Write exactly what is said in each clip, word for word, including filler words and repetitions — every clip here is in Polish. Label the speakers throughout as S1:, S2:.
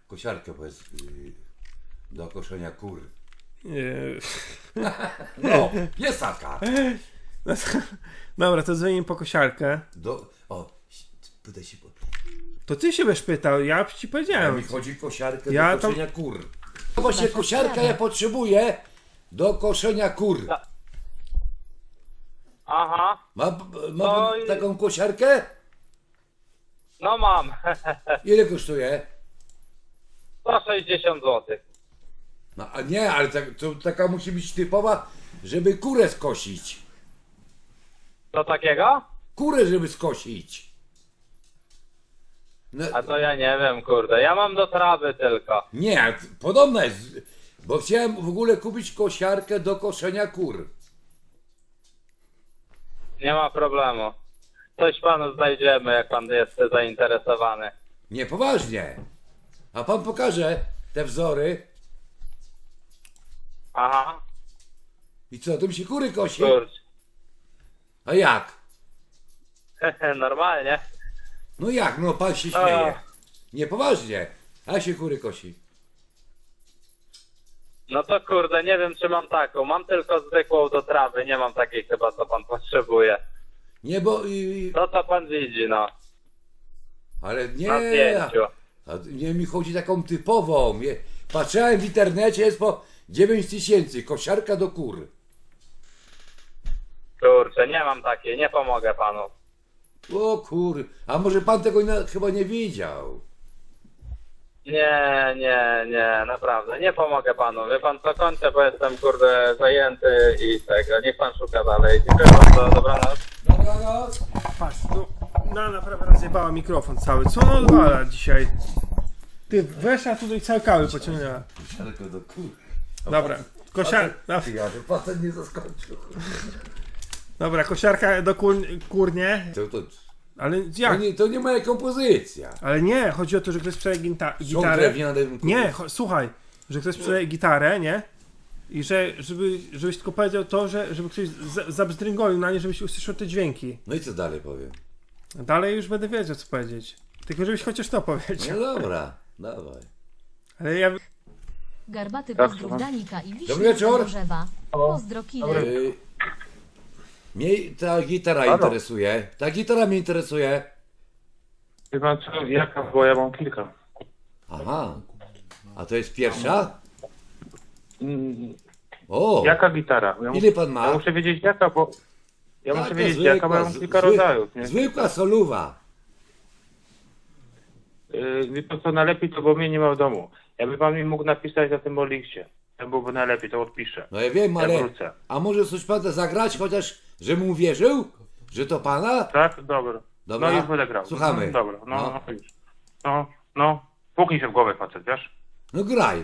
S1: kosiarkę powiedz yy, do koszenia kur.
S2: Yy.
S1: No, jest taka.
S2: No to, dobra, to dzwonimy po kosiarkę.
S1: Do, o, pytaj się po...
S2: To ty się będziesz pytał, ja ci
S1: Ja
S2: powiedziałem.
S1: mi chodzi kosiarkę
S2: Ja
S1: do
S2: to-
S1: koszenia kur. No właśnie kosiarka ja potrzebuję do koszenia kur.
S3: Aha,
S1: Ma, ma
S3: No
S1: pan
S3: i-
S1: taką kosiarkę?
S3: no mam.
S1: Ile kosztuje?
S3: sto sześćdziesiąt złotych.
S1: No a nie, ale tak, to taka musi być typowa, żeby kurę skosić.
S3: Co takiego?
S1: Kurę, żeby skosić. No,
S3: A to ja nie wiem, kurde. Ja mam do trawy tylko.
S1: nie, podobna jest, bo chciałem w ogóle kupić kosiarkę do koszenia kur.
S3: Nie ma problemu. Coś panu znajdziemy, jak pan jest zainteresowany.
S1: Nie, poważnie. A pan pokaże te wzory
S3: Aha,
S1: i co, tym się kury kosi?
S3: kurcz.
S1: A jak?
S3: Normalnie.
S1: No jak, no pan się śmieje. Nie, poważnie. A się kury kosi.
S3: No to kurde, nie wiem czy mam taką. Mam tylko zwykłą do trawy. Nie mam takiej chyba, co pan potrzebuje.
S1: Nie, bo... i-
S3: To co pan widzi, no.
S1: ale nie...
S3: Na zdjęciu.
S1: A nie mi chodzi taką typową. Je- Patrzyłem w internecie, jest po dziewięć tysięcy. Kosiarka do kur.
S3: Kurczę, nie mam takiej. Nie pomogę panu.
S1: O kur... A może pan tego na, chyba nie widział?
S3: Nie, nie, nie, naprawdę. Nie pomogę panu. Wie pan co, kończę, bo jestem kurde zajęty i tego. Niech pan szuka dalej. Dziękuję bardzo, dobranoc.
S1: Dobranoc.
S2: Patrz, no, no naprawdę rozjebała mikrofon cały. Co on odwala dzisiaj? Ty, weszła tutaj całe kały pociągnęła.
S1: Kosiarka do kur.
S2: Dobra, kosiar... no,
S1: Ty, ja, że facet nie zaskoczył.
S2: Dobra, kosiarka do kur... kurnie.
S1: To, to,
S2: Ale
S1: to,
S2: jak?
S1: nie, to nie moja kompozycja.
S2: Ale nie, chodzi o to, że ktoś sprzedaje gita...
S1: Są
S2: gitarę.
S1: drewniane kury.
S2: Nie, cho- słuchaj, że ktoś sprzedaje gitarę, nie? I że, żeby, żebyś tylko powiedział to, że żeby ktoś za- zabzdręgolił na nie, żebyś usłyszał te dźwięki.
S1: No i co dalej powiem?
S2: Dalej już będę wiedział, co powiedzieć. Tylko żebyś chociaż to
S1: No
S2: powiedział.
S1: dobra, dawaj.
S2: Ale ja...
S4: Garbaty
S3: Tak,
S4: pozdrów
S3: słucham.
S4: Danika i
S1: Dobry
S4: Wiśnia
S1: wieczór.
S4: Gorzewa. Pozdro killer.
S1: Yy, mnie ta gitara
S5: Halo.
S1: interesuje. Ta gitara mnie interesuje.
S5: Wie pan co, jaka, bo ja mam kilka.
S1: Aha. A to jest pierwsza?
S5: Mm,
S1: O!
S5: Jaka gitara? Ja, mu-
S1: Ile pan ma?
S5: ja muszę wiedzieć jaka, bo... Ja
S1: Taka
S5: muszę wiedzieć
S1: zwykła,
S5: jaka, bo ja mam
S1: z-
S5: kilka
S1: zwy-
S5: rodzajów, nie?
S1: Zwykła soluwa.
S5: Yy, wie pan co, najlepiej to, bo mnie nie ma w domu. Jakby pan mi mógł napisać na tym Oliksie, to byłoby najlepiej, to odpiszę.
S1: No ja wiem,
S5: Ja
S1: ale...
S5: wrócę.
S1: A może coś pan zagrać, chociaż żebym uwierzył? Że to pana?
S5: Tak? Dobra.
S1: Dobra.
S5: No już będę grał.
S1: Słuchamy.
S5: No, dobra, no,
S1: No.
S5: no. już. No, no. Puknij się w głowę, facet, wiesz?
S1: No graj.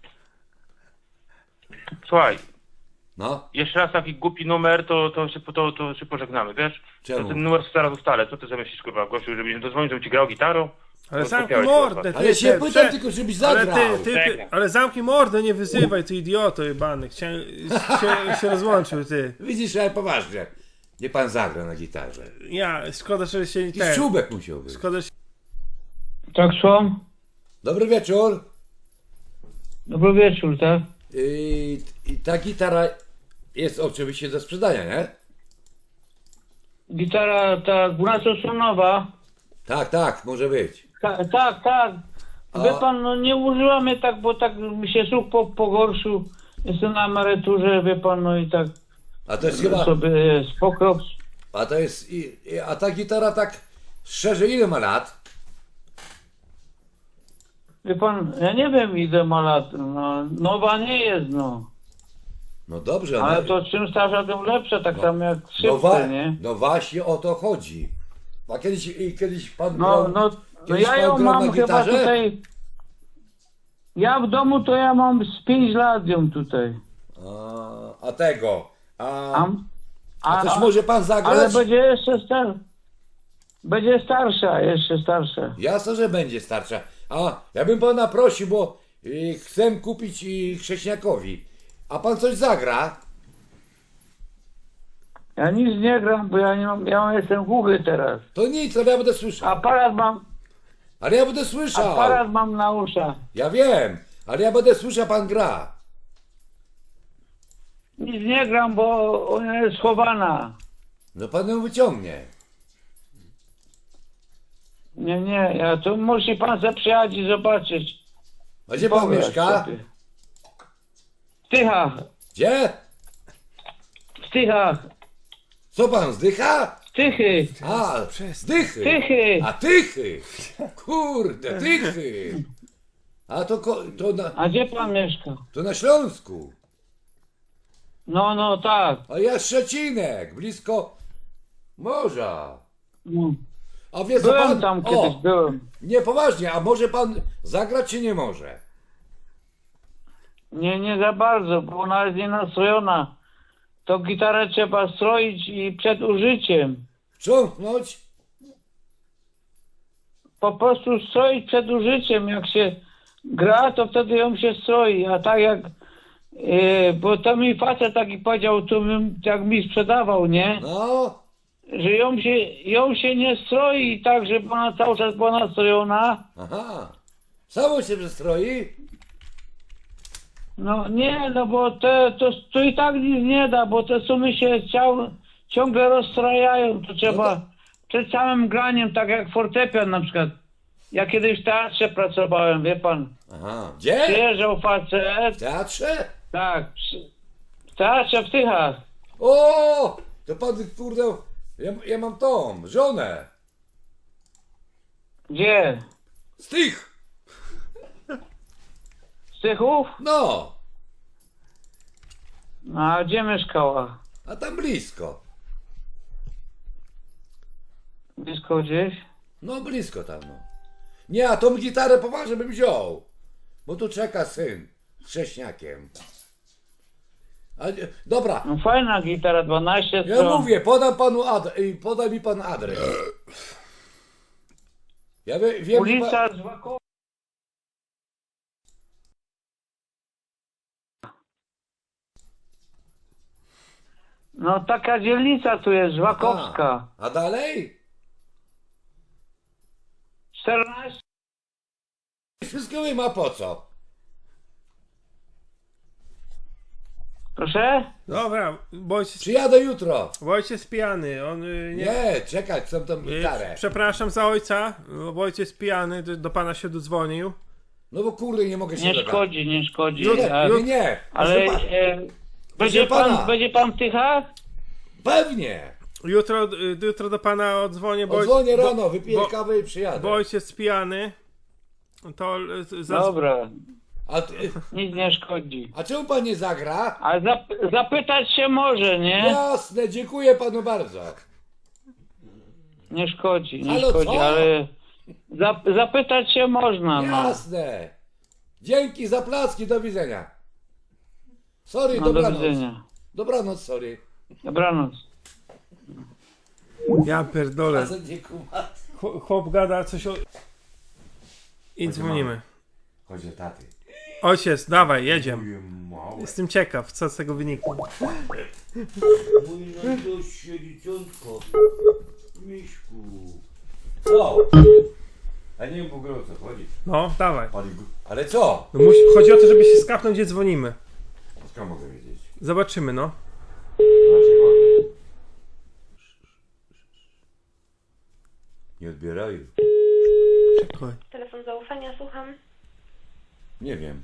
S5: Słuchaj,
S1: No.
S5: jeszcze raz taki głupi numer, to, to, się, to, to się pożegnamy, wiesz?
S1: Czemu?
S5: To ten numer zaraz ustalę. Co ty zamyślisz, kurwa, gościu, żebyś dozwonił, żebym ci grał gitarą?
S2: Ale
S5: To
S2: zamknij
S5: skupiałeś się,
S2: mordę, ty,
S1: Ale się
S2: ty,
S1: pytam
S2: prze-
S1: tylko, żebyś
S2: ale
S1: zagrał.
S2: ty, ty, ty,
S5: Czekaj.
S2: ale zamknij mordę, nie wyzywaj, ty idioto jebany. Chciałem, się, się rozłączył, ty.
S1: Widzisz, ale poważnie. Nie pan zagra na gitarze.
S2: Ja, szkoda, że się
S1: I
S2: ten...
S1: czubek musiał być.
S2: Szkoda, że...
S6: Tak, słucham?
S1: Dobry wieczór.
S6: Dobry wieczór, tak?
S1: I, I ta gitara jest oczywiście do sprzedania, nie?
S6: Gitara ta dwunastostrunowa.
S1: Tak, tak, może być.
S6: Ta, tak, tak.
S1: A-
S6: Wie pan, no nie używamy tak, bo tak mi się słuch po, pogorszył. Jestem na emeryturze, wie pan, no i tak
S1: A to jest chyba.
S6: sobie spokrops.
S1: A to jest. I, i, a ta gitara tak szczerze ile ma lat?
S6: Wie pan, ja nie wiem ile ma lat, no, nowa nie jest, no.
S1: No dobrze,
S6: Ale
S1: no,
S6: to czym starsza, tym lepsza, tak samo jak
S1: no,
S6: szybko,
S1: wa,
S6: nie?
S1: no właśnie o to chodzi. A kiedyś, i kiedyś pan.
S6: No,
S1: grał-
S6: no, no
S1: kiedyś
S6: ja
S1: pan
S6: ją
S1: grał
S6: mam
S1: na
S6: chyba
S1: gitarze?
S6: tutaj. Ja w domu to ja mam z pięć lat ją tutaj.
S1: A, a tego. A,
S6: A,
S1: a coś może pan zagrać?
S6: ale będzie jeszcze star... Będzie starsza, jeszcze starsza.
S1: Jasno, że będzie starsza. A ja bym pana prosił, bo y, chcę kupić y, chrześniakowi. A pan coś zagra?
S6: Ja nic nie gram, bo ja nie mam, ja jestem głuchy teraz.
S1: To nic, to ja będę słyszał.
S6: Aparat mam,
S1: Ale ja będę słyszał.
S6: Aparat mam na uszach.
S1: Ja wiem, ale ja będę słyszał, pan gra.
S6: Nic nie gram, bo ona jest schowana.
S1: No pan ją wyciągnie.
S6: Nie, nie, ja tu musi pan se przyjechać i zobaczyć.
S1: A gdzie pan
S6: Pograć
S1: mieszka?
S6: sobie. W Tychach,
S1: Gdzie?
S6: w Tychach,
S1: Co pan, zdycha?
S6: Tychy,
S1: A, zdychy.
S6: Tychy.
S1: A tychy. Kurde, tychy. A to, ko- to, na,
S6: A gdzie pan mieszka?
S1: to na Śląsku.
S6: No, no, tak.
S1: A ja Szczecinek, blisko morza.
S6: No.
S1: A wie co
S6: Byłem
S1: pan?
S6: tam
S1: O,
S6: kiedyś, byłem.
S1: nie, poważnie, a może pan zagrać czy nie może?
S6: Nie, nie za bardzo, bo ona jest nienastrojona. To gitarę trzeba stroić i przed użyciem.
S1: Wstrząknąć?
S6: Po prostu stroić przed użyciem. Jak się gra, to wtedy ją się stroi. A tak jak... Yy, bo to mi facet taki powiedział, tu mi, jak mi sprzedawał, nie?
S1: No,
S6: Że ją się, ją się nie stroi tak, żeby ona cały czas była nastrojona.
S1: aha. Samo się przestroi?
S6: No nie, no bo te, to, to i tak nic nie da, bo te sumy się ciał, ciągle rozstrajają. To trzeba
S1: No to-
S6: przed samym graniem, tak jak fortepian na przykład. Ja kiedyś w teatrze pracowałem, wie pan.
S1: Aha. Gdzie?
S6: Przyjeżdżał facet,
S1: W teatrze?
S6: tak, przy, w teatrze w Tychach.
S1: O! To pan, kurde, ja, ja mam tą, żonę.
S6: Gdzie?
S1: Z tych.
S6: Z Tychów?
S1: No,
S6: A gdzie mieszkała?
S1: a tam blisko.
S6: Blisko gdzieś?
S1: No, blisko tam, no. Nie, a tą gitarę poważnie bym wziął. Bo tu czeka syn z chrześniakiem. A, nie- dobra,
S6: No fajna gitara, dwanaście
S1: ja
S6: stron.
S1: mówię, podam panu adres, poda mi pan adres. Ja wie, wiem, że
S6: Ulica Złakowa. No taka dzielnica tu jest, Żłakowska.
S1: A, a dalej?
S6: czternaście.
S1: Wszystko wiem, a po co?
S6: Proszę?
S2: Dobra, bo ojciec,
S1: Przyjadę jutro.
S2: bo ojciec jest pijany, on y, nie...
S1: Nie, czekać, chcę tą
S2: y,
S1: gitarę.
S2: Przepraszam za ojca, bo ojciec jest pijany, do, do pana się dodzwonił.
S1: No bo kurde, nie mogę się
S6: Nie
S1: dogadać.
S6: szkodzi, nie szkodzi.
S1: Nie,
S6: A-
S1: nie, nie.
S6: Ale
S1: Proszę pa-
S6: e, będzie,
S1: pana.
S6: pan, będzie pan w Tychach?
S1: Pewnie.
S2: Jutro, y, jutro do pana odzwonię, bo,
S1: Odzwonię
S2: bo,
S1: rano, wypiję
S2: bo-
S1: kawę i przyjadę.
S2: bo ojciec jest pijany. To y, za,
S6: Dobra,
S1: A, ty,
S6: nic nie szkodzi.
S1: a czemu pan nie zagra?
S6: Ale zap, zapytać się może, nie?
S1: Jasne, dziękuję panu bardzo.
S6: Nie szkodzi, nie
S1: Halo,
S6: szkodzi,
S1: co?
S6: ale zap, zapytać się można. No,
S1: Jasne. Dzięki za placki, do widzenia. Sorry,
S6: no do
S1: dobranoc.
S6: widzenia.
S1: Dobranoc, sorry.
S6: Dobranoc.
S2: ja pierdolę.
S1: Facet nie kuma.
S2: Chłop- Chłop gada coś o... I dzwonimy.
S1: Chodź do taty.
S2: Ojciec, dawaj, jedziemy.
S1: Moje małe.
S2: Jestem ciekaw, co z tego wyniknie.
S1: Mój najdoście dzieciątko. Miśku. Co? A nie wiem w ogóle o co chodzi.
S2: No, dawaj.
S1: Ale co?
S2: No, musi, chodzi o to, żeby się skapnąć, gdzie dzwonimy.
S1: Skąd mogę wiedzieć?
S2: Zobaczymy, no.
S1: Dlaczego? Nie odbierają.
S2: Czekaj.
S7: Telefon zaufania, słucham.
S1: Nie wiem.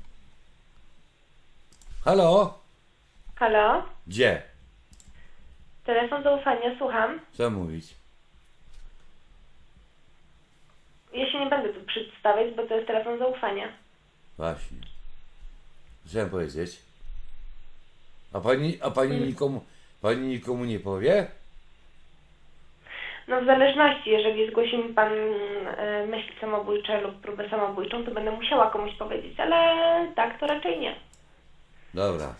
S1: Halo?
S7: Halo?
S1: Gdzie?
S7: Telefon zaufania, słucham.
S1: Co mówić?
S7: Ja się nie będę tu przedstawiać, bo to jest telefon zaufania.
S1: Właśnie. Chciałem powiedzieć. A pani, a pani nikomu, pani nikomu nie powie?
S7: No w zależności, jeżeli zgłosi mi pan e, myśli samobójcze lub próbę samobójczą, to będę musiała komuś powiedzieć, ale tak to raczej nie.
S1: Dobra.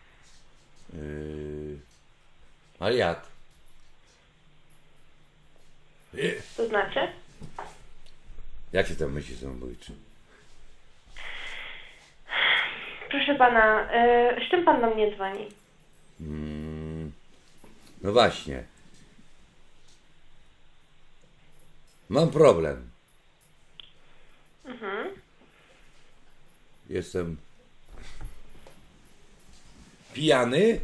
S1: Yy... Ale jak? Yy.
S7: To znaczy?
S1: Jakie tam myśli samobójcze?
S7: Proszę pana, e, z czym pan do mnie dzwoni?
S1: Mm, no właśnie. Mam problem. jestem pijany,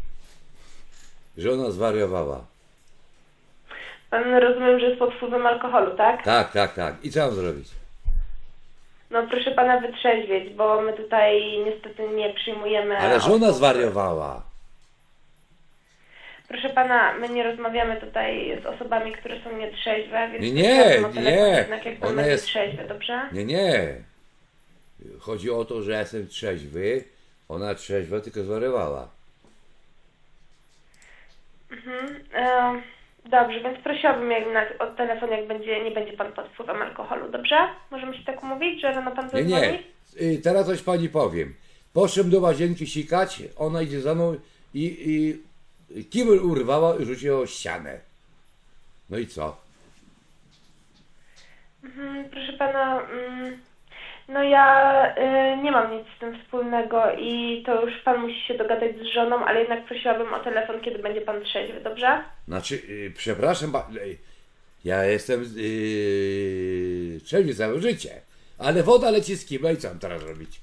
S1: że ona zwariowała.
S7: Pan rozumiem, że jest pod wpływem alkoholu, tak?
S1: Tak, tak, tak. I co mam zrobić?
S7: No proszę pana wytrzeźwieć, bo my tutaj niestety nie przyjmujemy...
S1: Ale że ona
S7: osób.
S1: zwariowała.
S7: Proszę pana, my nie rozmawiamy tutaj z osobami, które są nietrzeźwe, więc...
S1: Nie, nie,
S7: prosiłabym o telefon
S1: nie.
S7: Jednak jak pan
S1: Ona
S7: będzie
S1: jest-
S7: trzeźwy, dobrze?
S1: Nie, nie. Chodzi o to, że ja jestem trzeźwy, ona trzeźwa, tylko zwariowała.
S7: Mhm. E, dobrze, więc prosiłabym jednak o telefon, jak będzie, nie będzie pan pod wpływem alkoholu, dobrze? Możemy się tak umówić, że rano pan
S1: Nie,
S7: zadzwoni?
S1: nie. Y, Teraz coś pani powiem. Poszedłem do łazienki sikać, ona idzie za mną i, i kibel urwała i rzuciła o ścianę. No i co?
S7: Mhm, proszę pana, mm, no ja y, nie mam nic z tym wspólnego i to już pan musi się dogadać z żoną, ale jednak prosiłabym o telefon, kiedy będzie pan trzeźwy, dobrze?
S1: Znaczy, y, przepraszam, ba- y, ja jestem yy, trzeźwy całe życie, ale woda leci z kibla i co mam teraz robić?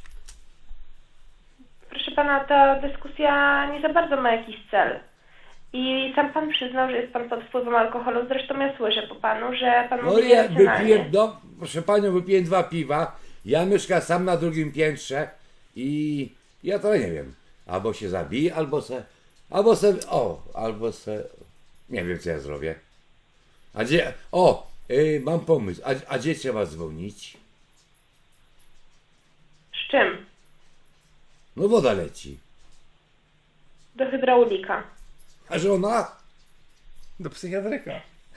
S7: Proszę pana, ta dyskusja nie za bardzo ma jakiś cel. I sam pan przyznał, że jest pan pod wpływem alkoholu, zresztą ja słyszę po panu, że pan
S1: No
S7: mówi
S1: ja
S7: racjonalnie.
S1: wypiłem, no proszę panią, wypiłem dwa piwa, ja mieszkam sam na drugim piętrze i ja to nie wiem, albo się zabiję, albo se, albo se, o, albo se, nie wiem co ja zrobię. A gdzie, o, y, mam pomysł, a, a gdzie trzeba dzwonić?
S7: Z czym?
S1: No woda leci.
S7: Do hydraulika.
S1: A żona?
S2: Do psychiatryka.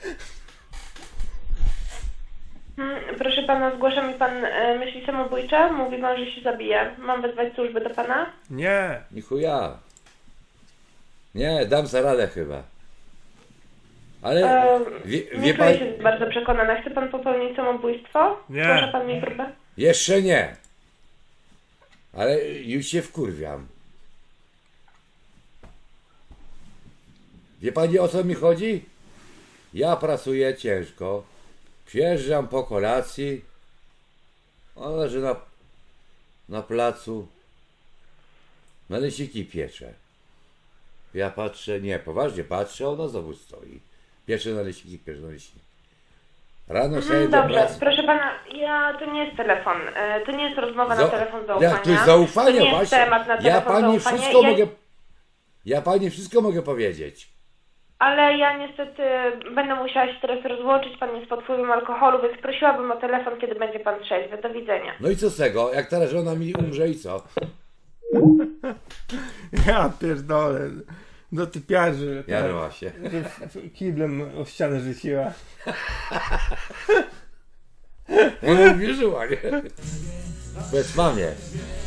S7: Hmm, proszę pana, zgłasza mi pan e, myśli samobójcze? Mówi pan, że się zabije. Mam wezwać służby do pana?
S2: Nie.
S1: Ni chuja. Nie, dam sobie radę chyba. Ale
S7: E,
S1: wie,
S7: nie
S1: wie
S7: czuję
S1: pan,
S7: się bardzo przekonana. Chce pan popełnić samobójstwo?
S2: Nie.
S7: Zgłasza pan mi próbę?
S1: jeszcze nie. Ale już się wkurwiam. Wie pani o co mi chodzi? Ja pracuję ciężko. Przyjeżdżam po kolacji. Ona leży na, na placu. Naleśniki piecze. Ja patrzę, nie, poważnie patrzę, ona znowu stoi. Piecze naleśniki, piecze naleśniki. Rano sobie
S7: Hmm,
S1: do
S7: dobrze,
S1: pracy.
S7: proszę pana, ja, to nie jest telefon. E, to nie jest rozmowa
S1: Za-
S7: na telefon zaufania.
S1: Ja, to jest zaufanie
S7: to nie jest
S1: właśnie.
S7: temat na
S1: Ja
S7: telefon
S1: pani
S7: zaufania.
S1: wszystko
S7: ja...
S1: mogę. Ja pani wszystko mogę powiedzieć.
S7: Ale ja niestety będę musiała się teraz rozłączyć. Pan jest pod wpływem alkoholu, więc prosiłabym o telefon, kiedy będzie pan trzeźwy. Do widzenia.
S1: No i co z tego? Jak teraz żona mi umrze i co?
S2: Ja pierdolę. Do typiarzy.
S1: Ja
S2: tak,
S1: no właśnie.
S2: że f- f- kiblem o ścianę rzuciła.
S1: Ona uwierzyła, nie? Bez mamie.